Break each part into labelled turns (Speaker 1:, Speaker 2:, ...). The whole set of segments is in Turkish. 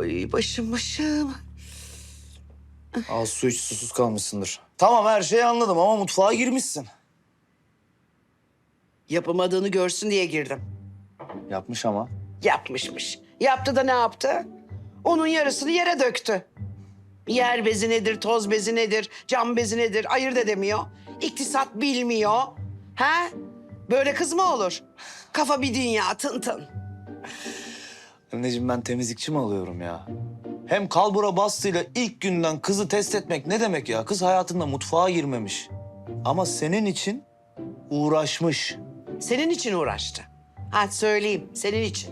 Speaker 1: Oy başım başım.
Speaker 2: Az su iç, susuz kalmışsındır. Tamam, her şeyi anladım ama mutfağa girmişsin.
Speaker 1: Yapamadığını görsün diye girdim.
Speaker 2: Yapmış ama.
Speaker 1: Yapmışmış. Yaptı da ne yaptı? Onun yarısını yere döktü. Yer bezi nedir, toz bezi nedir, cam bezi nedir ayırt edemiyor. İktisat bilmiyor. Ha? Böyle kız mı olur? Kafa bir dünya tın tın.
Speaker 2: Anneciğim, ben temizlikçi mi alıyorum ya? Hem kalbura bastıyla ilk günden kızı test etmek ne demek ya? Kız hayatında mutfağa girmemiş. Ama senin için uğraşmış.
Speaker 1: Senin için uğraştı. Hadi söyleyeyim, senin için.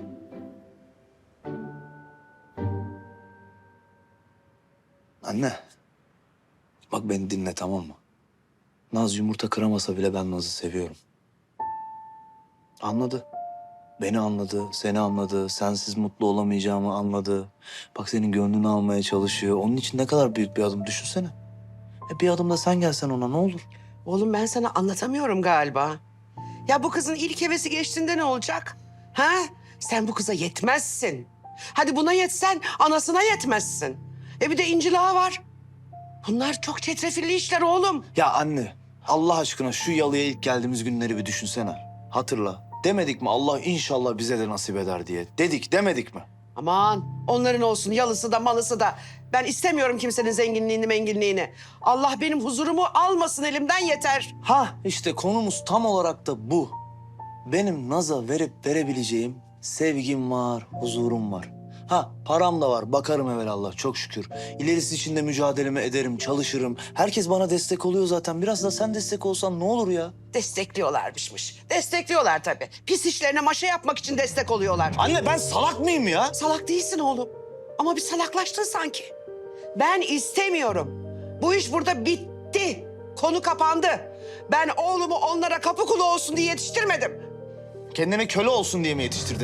Speaker 2: Anne, bak beni dinle, tamam mı? Naz yumurta kıramasa bile ben Naz'ı seviyorum. Anladı. Beni anladı, seni anladı, sensiz mutlu olamayacağımı anladı. Bak, senin gönlünü almaya çalışıyor. Onun için ne kadar büyük bir adım, düşünsene. Bir adım da sen gelsen ona, ne olur?
Speaker 1: Oğlum ben sana anlatamıyorum galiba. Ya bu kızın ilk hevesi geçtiğinde ne olacak? Ha? Sen bu kıza yetmezsin. Hadi buna yetsen anasına yetmezsin. Bir de İncil Ağa var. Bunlar çok çetrefilli işler oğlum.
Speaker 2: Ya anne, Allah aşkına şu yalıya ilk geldiğimiz günleri bir düşünsene. Hatırla. Demedik mi Allah inşallah bize de nasip eder diye? Dedik, demedik mi?
Speaker 1: Aman onların olsun yalısı da malısı da. Ben istemiyorum kimsenin zenginliğini menginliğini. Allah benim huzurumu almasın elimden yeter.
Speaker 2: Ha işte konumuz tam olarak da bu. Benim Naz'a verip verebileceğim sevgim var, huzurum var. Ha, param da var, bakarım evelallah, çok şükür. İlerisi için de mücadelemi ederim, çalışırım. Herkes bana destek oluyor zaten. Biraz da sen destek olsan ne olur ya?
Speaker 1: Destekliyorlarmışmış. Destekliyorlar tabii. Pis işlerine maşa yapmak için destek oluyorlar.
Speaker 2: Anne, ben salak mıyım ya?
Speaker 1: Salak değilsin oğlum. Ama bir salaklaştın sanki. Ben istemiyorum. Bu iş burada bitti. Konu kapandı. Ben oğlumu onlara kapı kulu olsun diye yetiştirmedim.
Speaker 2: Kendine köle olsun diye mi yetiştirdin?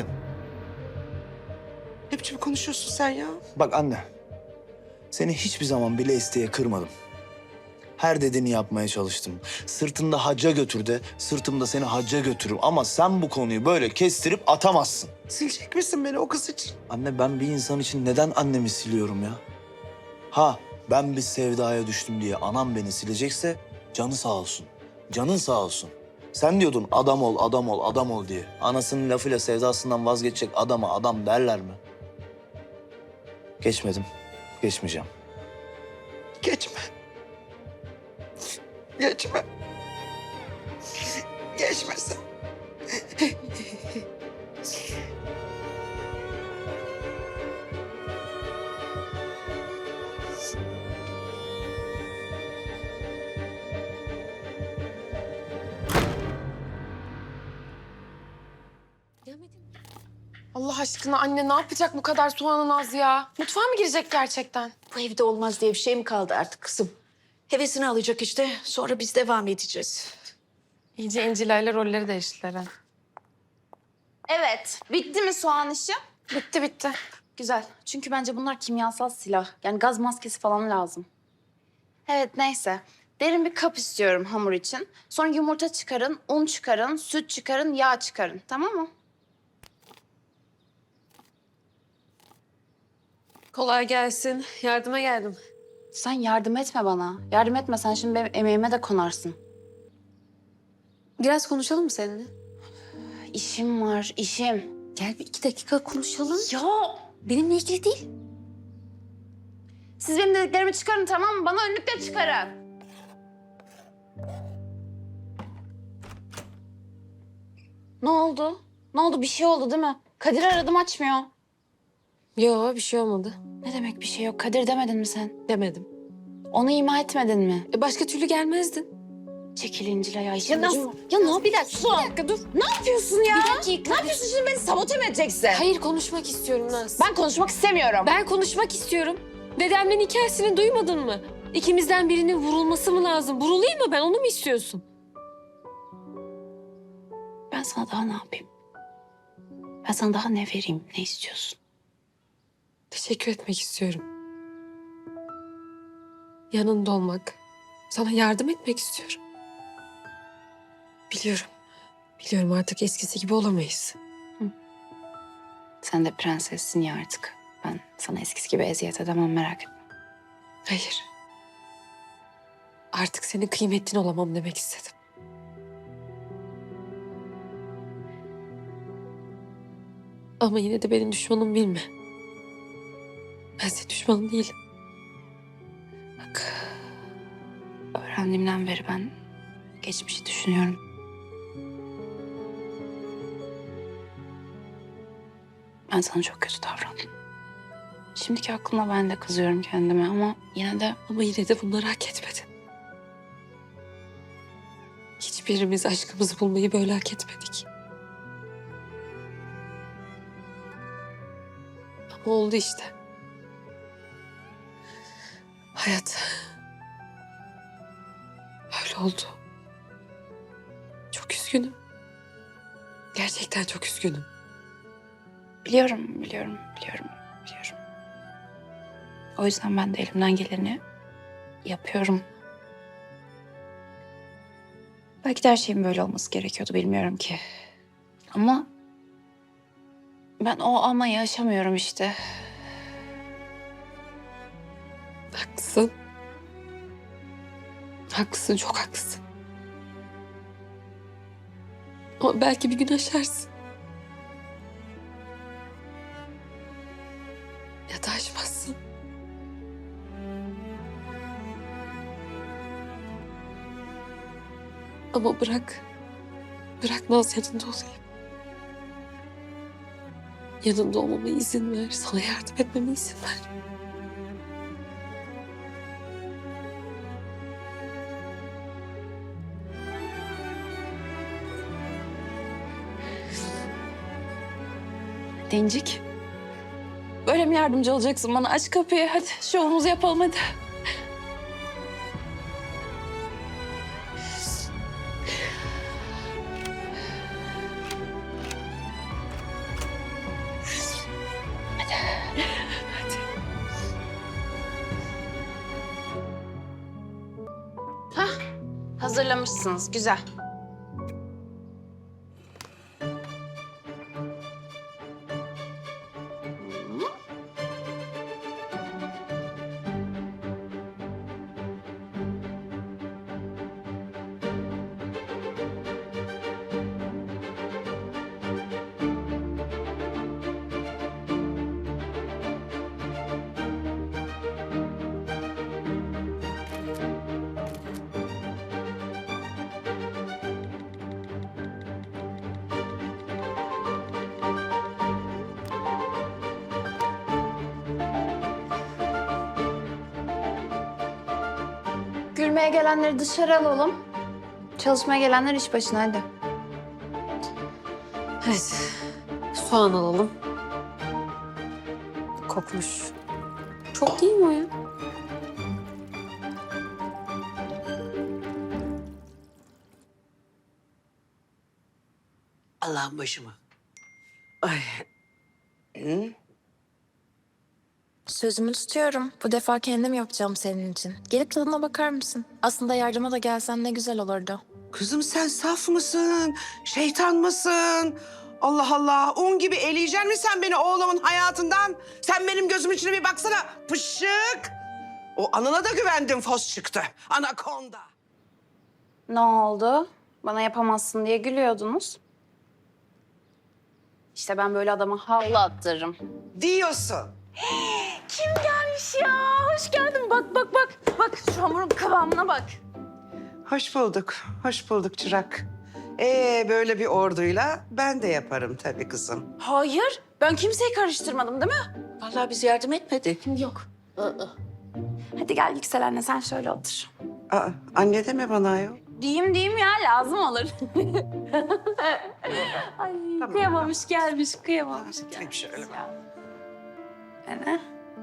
Speaker 1: Ne biçim konuşuyorsun sen ya?
Speaker 2: Bak anne, seni hiçbir zaman bile isteye kırmadım. Her dediğini yapmaya çalıştım. Sırtında hacca götür de, sırtımda seni hacca götürürüm. Ama sen bu konuyu böyle kestirip atamazsın.
Speaker 1: Silecek misin beni o kız için?
Speaker 2: Anne, ben bir insan için neden annemi siliyorum ya? Ha, ben bir sevdaya düştüm diye anam beni silecekse canı sağ olsun. Canın sağ olsun. Sen diyordun adam ol, adam ol, adam ol diye. Anasının lafıyla sevdasından vazgeçecek adama adam derler mi? Geçmedim, geçmeyeceğim.
Speaker 1: Geçme. Geçme. Geçmesin.
Speaker 3: Allah aşkına anne ne yapacak bu kadar soğanın az ya? Mutfağa mı girecek gerçekten?
Speaker 4: Bu evde olmaz diye bir şey mi kaldı artık kızım? Hevesini alacak işte. Sonra biz devam edeceğiz.
Speaker 3: İyice İncil'le rolleri değiştiler ha.
Speaker 5: Evet. Bitti mi soğan işi?
Speaker 3: Bitti bitti.
Speaker 5: Güzel. Çünkü bence bunlar kimyasal silah. Yani gaz maskesi falan lazım. Evet neyse. Derin bir kap istiyorum hamur için. Sonra yumurta çıkarın, un çıkarın, süt çıkarın, yağ çıkarın. Tamam mı?
Speaker 6: Kolay gelsin. Yardıma geldim.
Speaker 5: Sen yardım etme bana. Yardım etme sen şimdi benim emeğime de konarsın.
Speaker 6: Biraz konuşalım mı seninle?
Speaker 5: İşim var, işim.
Speaker 6: Gel bir 2 dakika konuşalım.
Speaker 5: Ya benimle ilgili değil. Siz benim dediklerimi çıkarın tamam mı? Bana önlükle çıkarın. Ne oldu? Ne oldu? Bir şey oldu değil mi? Kadir aradım açmıyor.
Speaker 6: Yo, bir şey olmadı.
Speaker 5: Ne demek bir şey yok? Kadir demedin mi sen?
Speaker 6: Demedim.
Speaker 5: Onu ima etmedin mi?
Speaker 6: Başka türlü gelmezdin.
Speaker 5: Çekil İncil'e ya.
Speaker 6: Ya nasıl? Ya ne? Bir dakika dur.
Speaker 5: Ne yapıyorsun ya?
Speaker 6: Bir dakika.
Speaker 5: Ne yapıyorsun şimdi beni sabote mi edeceksin?
Speaker 6: Hayır, konuşmak istiyorum Naz.
Speaker 5: Ben konuşmak istemiyorum.
Speaker 6: Ben konuşmak istiyorum. Dedemden hikayesini duymadın mı? İkimizden birinin vurulması mı lazım? Vurulayım mı ben? Onu mu istiyorsun?
Speaker 5: Ben sana daha ne yapayım? Ben sana daha ne vereyim? Ne istiyorsun?
Speaker 6: Teşekkür etmek istiyorum. Yanında olmak, sana yardım etmek istiyorum. Biliyorum. Biliyorum artık eskisi gibi olamayız.
Speaker 5: Sen de prensessin ya artık. Ben sana Sana eskisi gibi eziyet edemem, merak etme.
Speaker 6: Hayır. Artık senin kıymetli olamam demek istedim. Ama yine de benim düşmanım bilme. Ben senin düşmanın değilim.
Speaker 5: Bak, öğrendiğimden beri ben geçmişi düşünüyorum. Ben sana çok kötü davrandım. Şimdiki aklımla ben de kızıyorum kendime ama yine de
Speaker 6: Ama yine de bunları hak etmedin. Hiçbirimiz aşkımızı bulmayı böyle hak etmedik. Ama oldu işte. Hayat öyle oldu. Çok üzgünüm. Gerçekten çok üzgünüm.
Speaker 5: biliyorum. O yüzden ben de elimden geleni yapıyorum. Belki de her şeyin böyle olması gerekiyordu, bilmiyorum ki. Ama ben o amayı yaşamıyorum işte.
Speaker 6: Haklısın. Haklısın, çok haklısın. Ama belki bir gün aşarsın. Ya da aşmazsın. Ama bırak. Bırak Naz, yanında olayım. Yanında olmama izin ver. Sana yardım etmeme izin ver.
Speaker 5: Dencik. Böyle mi yardımcı olacaksın bana? Aç kapıyı, hadi şovumuzu yapalım hadi. Hazırlamışsınız, güzel. Gülmeye gelenleri dışarı alalım. Çalışmaya gelenler iş başına, hadi.
Speaker 6: Evet. Soğan alalım. Kokmuş. Çok değil mi o ya?
Speaker 1: Allah'ım başıma. Ay. Hı?
Speaker 7: Sözümü tutuyorum. Bu defa kendim yapacağım senin için. Gelip tadına bakar mısın? Aslında yardıma da gelsen ne güzel olurdu.
Speaker 1: Kızım sen saf mısın? Şeytan mısın? Allah Allah. Un gibi eleyeceksin mi sen beni oğlumun hayatından? Sen benim gözümün içine bir baksana. Pışık. O anına da güvendim, fos çıktı. Anakonda.
Speaker 5: Ne oldu? Bana yapamazsın diye gülüyordunuz. İşte ben böyle adama havlu attırırım.
Speaker 1: Diyorsun.
Speaker 5: Kim gelmiş ya? Hoş geldin. Bak bak bak. Bak şu hamurun kıvamına bak.
Speaker 1: Hoş bulduk. Hoş bulduk çırak. Böyle bir orduyla ben de yaparım tabii kızım.
Speaker 5: Hayır. Ben kimseyi karıştırmadım değil mi?
Speaker 4: Vallahi biz yardım etmedik.
Speaker 5: Yok. Hadi gel Yüksel anne, sen şöyle otur.
Speaker 1: Aa, anne deme bana ayol.
Speaker 5: Diyeyim ya, lazım olur. Ay
Speaker 1: Tamam.
Speaker 5: kıyamamış gelmiş, kıyamamış
Speaker 1: Tamam,
Speaker 5: gelmiş.
Speaker 1: şöyle.
Speaker 5: Öyle.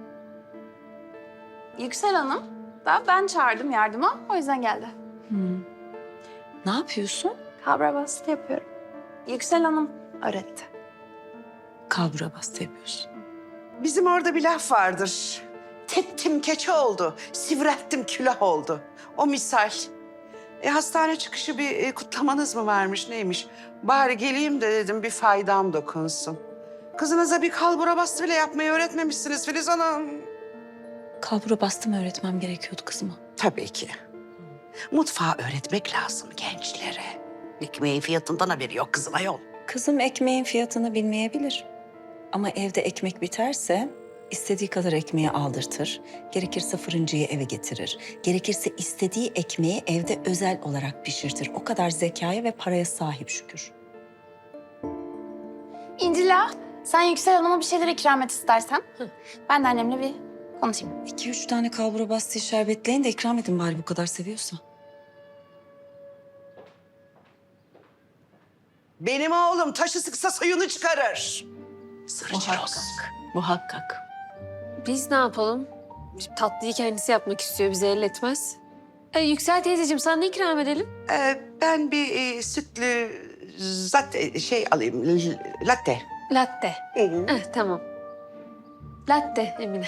Speaker 5: Yüksel Hanım da ben çağırdım yardıma, o yüzden geldi.
Speaker 4: Ne yapıyorsun?
Speaker 5: Kabra bastı yapıyorum. Yüksel Hanım öğretti.
Speaker 4: Kalbura bastı yapıyorsun.
Speaker 1: Bizim orada bir laf vardır. Teptim keçe oldu, sivrettim külah oldu. O misal. Hastane çıkışı bir kutlamanız mı varmış, neymiş? Bari geleyim de dedim bir faydam dokunsun. Kızınıza bir kalbura bastı bile yapmayı öğretmemişsiniz Filiz Hanım.
Speaker 4: Kalbura bastım öğretmem gerekiyordu kızıma.
Speaker 1: Tabii ki. Mutfağı öğretmek lazım gençlere. Ekmeğin fiyatından haberi yok kızım ayol.
Speaker 8: Kızım ekmeğin fiyatını bilmeyebilir. Ama evde ekmek biterse istediği kadar ekmeği aldırtır. Gerekirse fırıncıyı eve getirir. Gerekirse istediği ekmeği evde özel olarak pişirtir. O kadar zekaya ve paraya sahip şükür.
Speaker 5: İncila, sen Yüksel Hanım'a bir şeyler ikram et istersen. Ben de annemle bir konuşayım.
Speaker 8: 2-3 tane kalbura bastığı şerbetleyin de ikram edin bari bu kadar seviyorsa.
Speaker 1: Benim oğlum taşı sıksa suyunu çıkarır. Sırıcı
Speaker 4: Muhakkak.
Speaker 6: Biz ne yapalım? Şimdi tatlıyı kendisi yapmak istiyor, bize elletmez. Yüksel teyzeciğim, sana ne ikram edelim?
Speaker 1: Ben bir sütlü şey alayım, latte.
Speaker 6: Latte.
Speaker 1: Hı.
Speaker 6: Tamam. Latte Emine.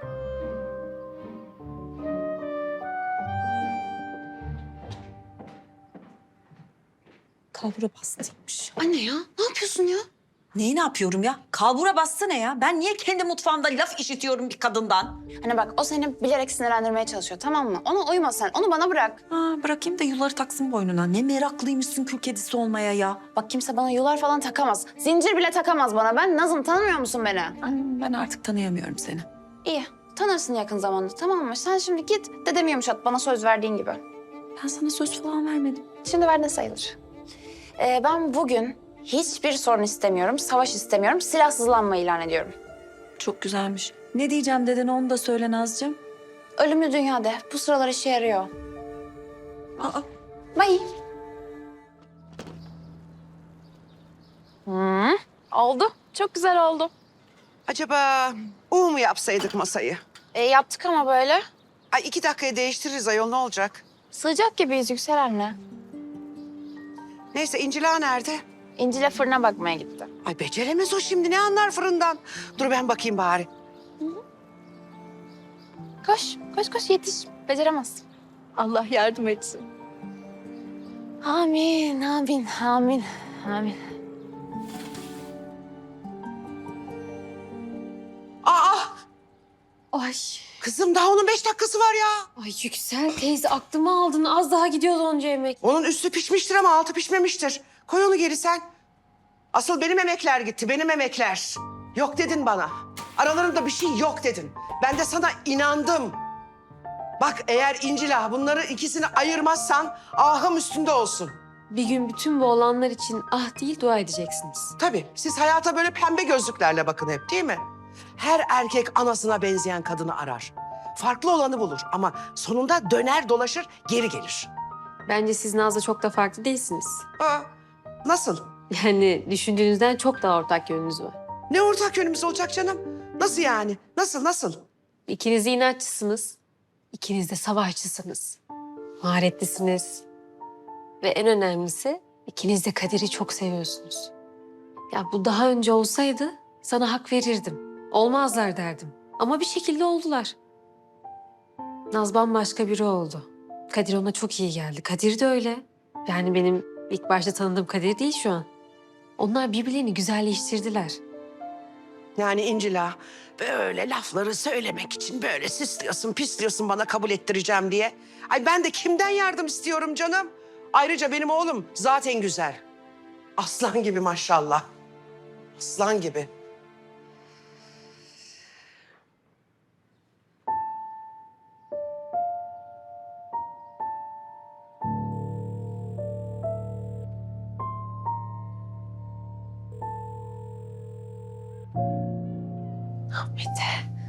Speaker 8: Kalbura bastıymış.
Speaker 3: Anne ya, ne yapıyorsun ya?
Speaker 8: Neyi ne yapıyorum ya? Kalbura bastı ne ya? Ben niye kendi mutfağımda laf işitiyorum bir kadından?
Speaker 5: Hani bak o seni bilerek sinirlendirmeye çalışıyor tamam mı? Ona uyma sen, onu bana bırak.
Speaker 8: Bırakayım da yuları taksın boynuna. Ne meraklıymışsın kül kedisi olmaya ya.
Speaker 5: Bak kimse bana yular falan takamaz. Zincir bile takamaz bana. Ben Nazım, tanımıyor musun beni?
Speaker 8: Ben artık tanıyamıyorum seni.
Speaker 5: İyi, tanırsın yakın zamanda tamam mı? Sen şimdi git dedemi yumuşat bana söz verdiğin gibi.
Speaker 8: Ben sana söz falan vermedim.
Speaker 5: Şimdi verdin sayılır. Ben bugün hiçbir sorun istemiyorum, savaş istemiyorum, silahsızlanma ilan ediyorum.
Speaker 8: Çok güzelmiş. Ne diyeceğim dedin onu da söyle Nazcığım.
Speaker 5: Ölümlü dünyada bu sıralar işe yarıyor.
Speaker 8: Aa,
Speaker 5: Bye. Oldu, çok güzel oldu.
Speaker 1: Acaba mu yapsaydık masayı?
Speaker 5: Yaptık ama böyle.
Speaker 1: Ay 2 dakikaya değiştiririz ayol ne olacak?
Speaker 5: Sığacak gibiyiz Yüksel anne.
Speaker 1: Neyse İncila nerede?
Speaker 5: İncil'e fırına bakmaya gitti.
Speaker 1: Ay beceremez o şimdi ne anlar fırından. Dur ben bakayım bari.
Speaker 5: Koş, koş koş yetiş. Beceremez.
Speaker 4: Allah yardım etsin.
Speaker 5: Amin, amin, amin, amin.
Speaker 1: Aa
Speaker 6: Ay,
Speaker 1: kızım daha onun 5 dakikası var ya.
Speaker 6: ay Yüksel teyze aklımı aldın. Az daha gidiyordu onca yemek.
Speaker 1: Onun üstü pişmiştir ama altı pişmemiştir. Koy onu geri sen. Asıl benim emekler gitti, benim emekler. Yok dedin bana. Aralarında bir şey yok dedin. Ben de sana inandım. Bak eğer İncila bunları ikisini ayırmazsan ahım üstünde olsun.
Speaker 6: Bir gün bütün bu olanlar için ah değil dua edeceksiniz.
Speaker 1: Tabii siz hayata böyle pembe gözlüklerle bakın hep değil mi? Her erkek anasına benzeyen kadını arar. Farklı olanı bulur ama sonunda döner dolaşır geri gelir.
Speaker 6: Bence siz Naz'la çok da farklı değilsiniz.
Speaker 1: Aa, nasıl?
Speaker 6: Yani düşündüğünüzden çok daha ortak yönünüz var.
Speaker 1: Ne ortak yönümüz olacak canım? Nasıl yani? Nasıl?
Speaker 6: İkiniz de inatçısınız. İkiniz de savaşçısınız. Maharetlisiniz. Ve en önemlisi ikiniz de Kadir'i çok seviyorsunuz. Ya bu daha önce olsaydı sana hak verirdim. Olmazlar derdim. Ama bir şekilde oldular. Naz bambaşka biri oldu. Kadir ona çok iyi geldi. Kadir de öyle. Yani benim ilk başta tanıdığım Kadir değil şu an. Onlar birbirlerini güzelleştirdiler.
Speaker 1: Yani İncila böyle lafları söylemek için böyle süslüyorsun, pisliyorsun bana kabul ettireceğim diye. Ay ben de kimden yardım istiyorum canım? Ayrıca benim oğlum zaten güzel. Aslan gibi maşallah. Aslan gibi.
Speaker 6: Ahmet'e.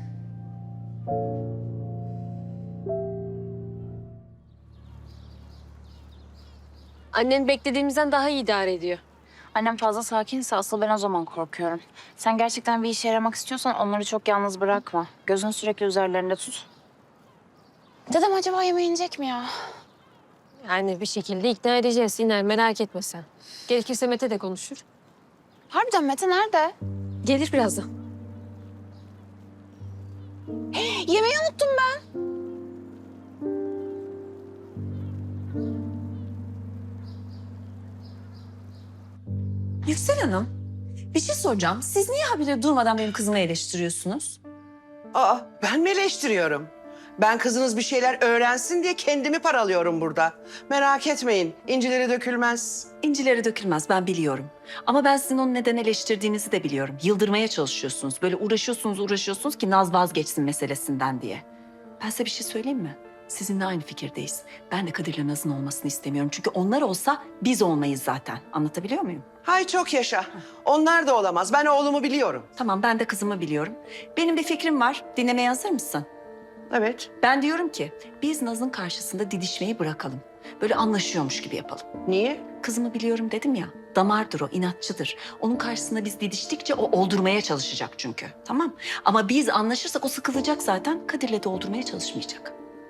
Speaker 6: Annen beklediğimizden daha iyi idare ediyor.
Speaker 5: Annem fazla sakinse asıl ben o zaman korkuyorum. Sen gerçekten bir işe yaramak istiyorsan onları çok yalnız bırakma. Gözünü sürekli üzerlerinde tut. Dedem acaba yemeğe inecek mi ya?
Speaker 6: Yani bir şekilde ikna edeceğiz. İner merak etme sen. Gerekirse Mete de konuşur.
Speaker 5: Harbiden Mete nerede?
Speaker 6: Gelir birazdan.
Speaker 5: Yemeği unuttum ben.
Speaker 8: Yüksel Hanım, Bir şey soracağım. Siz niye habire durmadan benim kızımı eleştiriyorsunuz?
Speaker 1: Aa, ben mi eleştiriyorum? Ben kızınız bir şeyler öğrensin diye kendimi paralıyorum burada. Merak etmeyin, incileri dökülmez.
Speaker 8: İncileri dökülmez, ben biliyorum. Ama ben sizin onu neden eleştirdiğinizi de biliyorum. Yıldırmaya çalışıyorsunuz. Böyle uğraşıyorsunuz ki Naz vazgeçsin meselesinden diye. Ben size bir şey söyleyeyim mi? Sizinle aynı fikirdeyiz. Ben de Kadir'le Naz'ın olmasını istemiyorum. Çünkü onlar olsa biz olmayız zaten. Anlatabiliyor muyum?
Speaker 1: Hay çok yaşa. Onlar da olamaz. Ben oğlumu biliyorum.
Speaker 8: Tamam, ben de kızımı biliyorum. Benim bir fikrim var. Dinlemeye hazır mısın?
Speaker 1: Evet.
Speaker 8: Ben diyorum ki biz Naz'ın karşısında didişmeyi bırakalım. Böyle anlaşıyormuş gibi yapalım.
Speaker 1: Niye?
Speaker 8: Kızımı biliyorum dedim ya. Damardır o, inatçıdır. Onun karşısında biz didiştikçe o oldurmaya çalışacak çünkü. Tamam. Ama biz anlaşırsak o sıkılacak zaten. Kadir'le de oldurmaya çalışmayacak.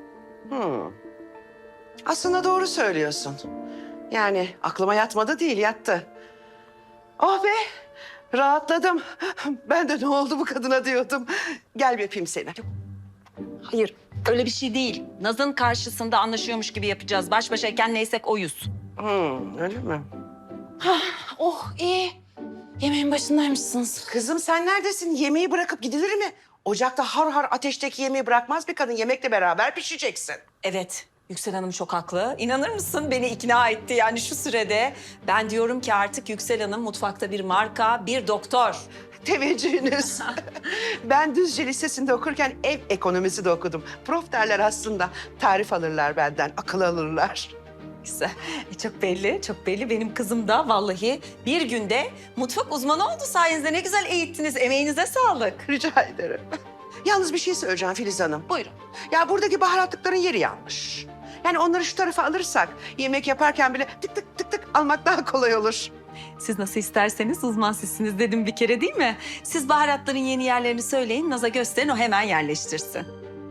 Speaker 1: Aslında doğru söylüyorsun. Yani aklıma yatmadı değil, yattı. Oh be, rahatladım. Ben de ne oldu bu kadına diyordum. Gel bir öpeyim seni.
Speaker 8: Hayır, öyle bir şey değil. Naz'ın karşısında anlaşıyormuş gibi yapacağız. Baş başayken neysek oyuz.
Speaker 1: Öyle mi?
Speaker 5: Oh iyi. Yemeğin başındaymışsınız.
Speaker 1: Kızım sen neredesin? Yemeği bırakıp gidilir mi? Ocakta har har ateşteki yemeği bırakmaz bir kadın. Yemekle beraber pişeceksin.
Speaker 8: Evet, Yüksel Hanım çok haklı. İnanır mısın? Beni ikna etti yani şu sürede. Ben diyorum ki artık Yüksel Hanım mutfakta bir marka, bir doktor.
Speaker 1: Teveccühünüz. Ben Düzce Lisesi'nde okurken ev ekonomisi de okudum. Prof derler aslında. Tarif alırlar benden, akıl alırlar.
Speaker 8: Güzel. Çok belli, çok belli. Benim kızım da vallahi bir günde mutfak uzmanı oldu sayenizde. Ne güzel eğittiniz. Emeğinize sağlık.
Speaker 1: Rica ederim. Yalnız bir şey söyleyeceğim Filiz Hanım.
Speaker 8: Buyurun.
Speaker 1: Ya buradaki baharatlıkların yeri yanlış. Yani onları şu tarafa alırsak yemek yaparken bile tık tık tık tık almak daha kolay olur.
Speaker 8: Siz nasıl isterseniz uzman sizsiniz dedim bir kere değil mi? Siz baharatların yeni yerlerini söyleyin, Naz'a gösterin, o hemen yerleştirsin.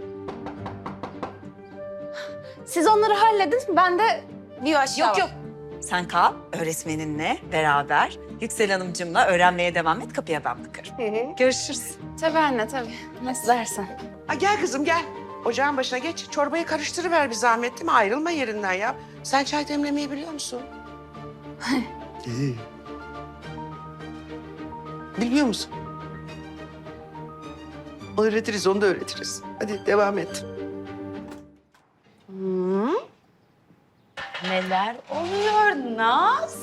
Speaker 5: Siz onları halledin. Ben de bir aşağı
Speaker 8: Yok yok. Sen kal öğretmeninle beraber Yüksel Hanımcığımla öğrenmeye devam et. Kapıya ben bakarım. Görüşürüz.
Speaker 5: Tabii anne tabii. Nasıl dersen.
Speaker 1: Ha, gel kızım gel. Ocağın başına geç. Çorbayı karıştırıver bir zahmet değil mi? Ayrılma yerinden ya. Sen çay demlemeyi biliyor musun? Bilmiyor musun? Onu öğretiriz, onu da öğretiriz. Hadi devam et.
Speaker 5: Neler oluyor Naz?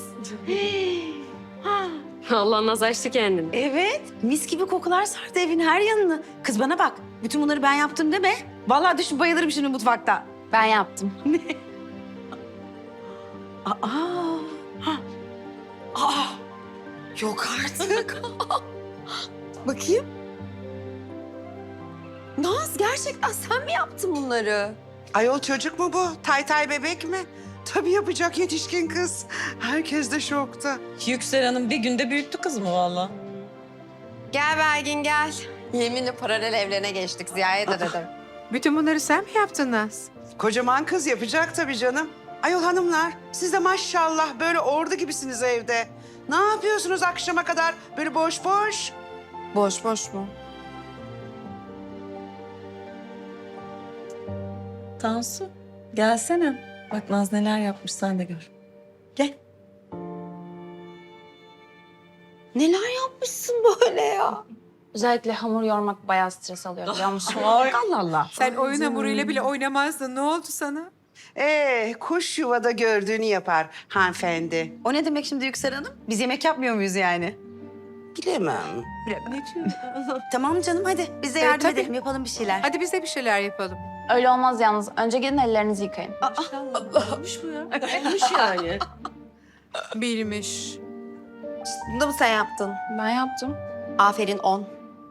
Speaker 6: Allah Naz açtı kendini.
Speaker 4: Evet, mis gibi kokular sardı evin her yanını. Kız bana bak, bütün bunları ben yaptım deme. Vallahi düşün bayılırım şimdi mutfakta.
Speaker 5: Ben yaptım.
Speaker 4: Yok artık. Bakayım. Naz gerçekten sen mi yaptın bunları?
Speaker 1: Ayol çocuk mu bu? Tay bebek mi? Tabii yapacak yetişkin kız. Herkes de şokta.
Speaker 8: Yüksel Hanım bir günde büyüttü kızımı vallahi.
Speaker 3: Gel Belgin gel. Yeminle paralel evlerine geçtik. Ziyaret edelim.
Speaker 9: Bütün bunları sen mi yaptın Naz?
Speaker 1: Kocaman kız yapacak tabii canım. Ayol hanımlar, siz de maşallah böyle ordu gibisiniz evde. Ne yapıyorsunuz akşama kadar böyle boş boş?
Speaker 3: Boş boş mu?
Speaker 8: Tansu gelsene. Bak Naz neler yapmış sen de gör. Gel.
Speaker 4: Neler yapmışsın böyle ya?
Speaker 5: Özellikle hamur yoğurmak bayağı stres alıyor biliyor musun?
Speaker 8: Allah Allah.
Speaker 9: Sen oyun hamuruyla bile oynamazdın. Ne oldu sana?
Speaker 1: Kuş yuvada gördüğünü yapar hanımefendi.
Speaker 4: O ne demek şimdi Yüksel Hanım? Biz yemek yapmıyor muyuz yani?
Speaker 1: Bilemem.
Speaker 4: Tamam canım hadi biz de yardım
Speaker 9: tabii.
Speaker 4: edelim yapalım bir şeyler.
Speaker 9: Hadi biz de bir şeyler yapalım.
Speaker 5: Öyle olmaz yalnız. Önce gidin ellerinizi yıkayın.
Speaker 9: Bilmiş.
Speaker 3: Bunu da mı sen yaptın?
Speaker 5: Ben yaptım.
Speaker 3: Aferin 10.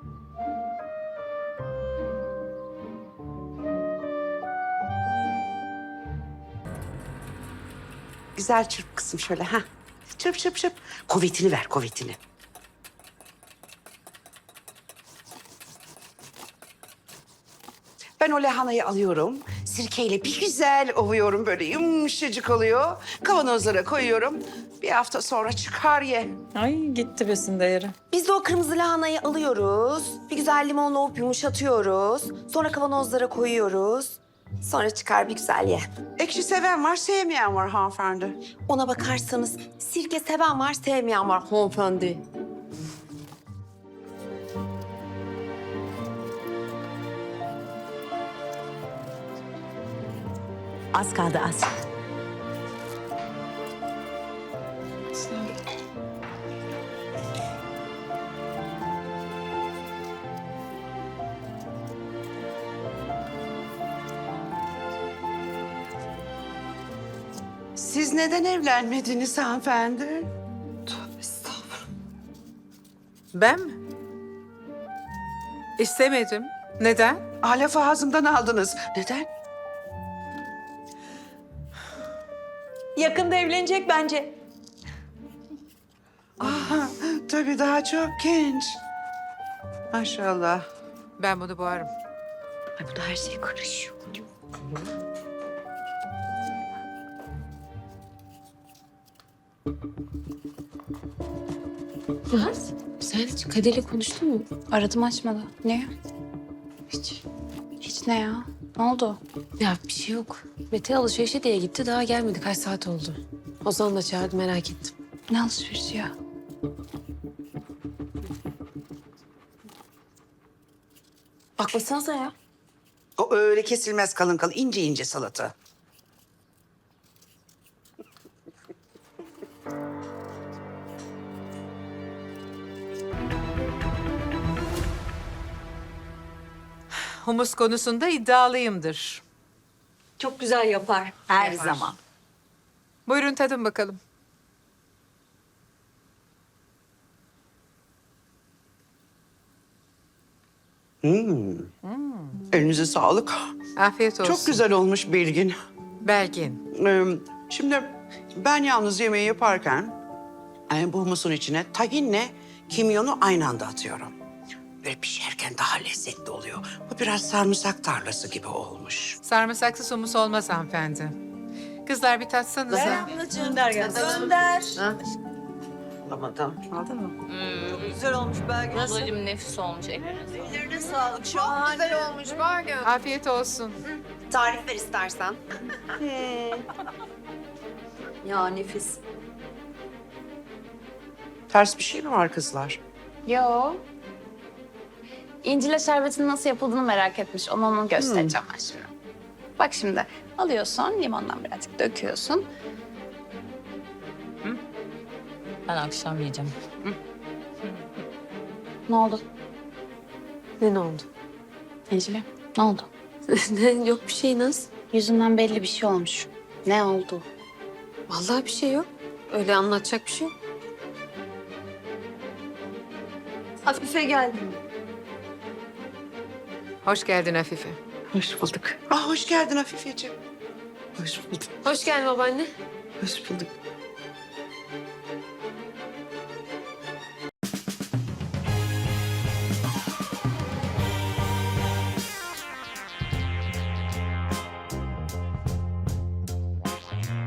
Speaker 1: Güzel çırp kızım şöyle ha. Çırp çırp çırp. Kuvvetini ver kuvvetini. Ben o lahanayı alıyorum. Sirkeyle bir güzel ovuyorum böyle yumuşacık oluyor. Kavanozlara koyuyorum. Bir hafta sonra çıkar ye.
Speaker 8: Ay gitti besin değeri.
Speaker 3: Biz de o kırmızı lahanayı alıyoruz. Bir güzel limonla ovup yumuşatıyoruz. Sonra kavanozlara koyuyoruz. Sonra çıkar bir güzel ye.
Speaker 1: Ekşi seven var, sevmeyen var hanımefendi.
Speaker 3: Ona bakarsanız sirke seven var, sevmeyen var hanımefendi.
Speaker 4: Az kaldı az.
Speaker 1: Siz neden evlenmediniz hanımefendi?
Speaker 9: Ben mi? İstemedim. Neden?
Speaker 1: Lafı ağzımdan aldınız. Neden?
Speaker 4: Yakında evlenecek bence.
Speaker 1: Tabii daha çok genç. Maşallah.
Speaker 9: Ben bunu boğarım.
Speaker 4: Ay bu da her şeye karışıyor.
Speaker 6: Naz, sen hiç Kadir'le konuştun mu?
Speaker 5: Aradım açmadı. Niye?
Speaker 6: Hiç.
Speaker 5: Hiç ne ya? Ne oldu?
Speaker 6: Ya bir şey yok. Mete alışverişe diye gitti, daha gelmedi. Kaç saat oldu? Ozan da çağırdı, merak ettim.
Speaker 5: Ne alışverişi ya?
Speaker 3: Bakmasanıza ya.
Speaker 1: O öyle kesilmez kalın kalın ince ince salata.
Speaker 9: Humus konusunda iddialıyımdır.
Speaker 4: Çok güzel yapar. Her zaman.
Speaker 9: Buyurun tadın bakalım.
Speaker 1: Elinize sağlık.
Speaker 9: Afiyet olsun.
Speaker 1: Çok güzel olmuş Belgin.
Speaker 9: Belgin.
Speaker 1: Şimdi ben yalnız yemeği yaparken bu humusun içine tahinle kimyonu aynı anda atıyorum. Ve pişerken daha lezzetli oluyor. Bu biraz sarımsak tarlası gibi olmuş.
Speaker 9: Sarımsaksız humus olmaz hanımefendi. Kızlar bir tatsanıza.
Speaker 1: Alamadım.
Speaker 5: Ablacığım nefis olmuş.
Speaker 9: Afiyet olsun.
Speaker 3: Tarif ver istersen. Ya nefis.
Speaker 1: Ters bir şey mi var kızlar?
Speaker 5: Yo. İncirle şerbetin nasıl yapıldığını merak etmiş. Onu göstereceğim ben şimdi. Bak şimdi alıyorsun, limondan birazcık döküyorsun.
Speaker 8: Ben akşam yiyeceğim.
Speaker 5: Ne oldu?
Speaker 6: Ne oldu?
Speaker 5: İncil'e ne oldu?
Speaker 6: Yok bir şey Naz.
Speaker 5: Yüzünden belli bir şey olmuş. Ne oldu?
Speaker 6: Vallahi bir şey yok. Öyle anlatacak bir şey yok.
Speaker 3: Hafife geldim.
Speaker 9: Hoş geldin Afife.
Speaker 1: Hoş bulduk. Hoş geldin Afifeciğim. Hoş bulduk.
Speaker 6: Hoş geldin babaanne.
Speaker 1: Hoş bulduk.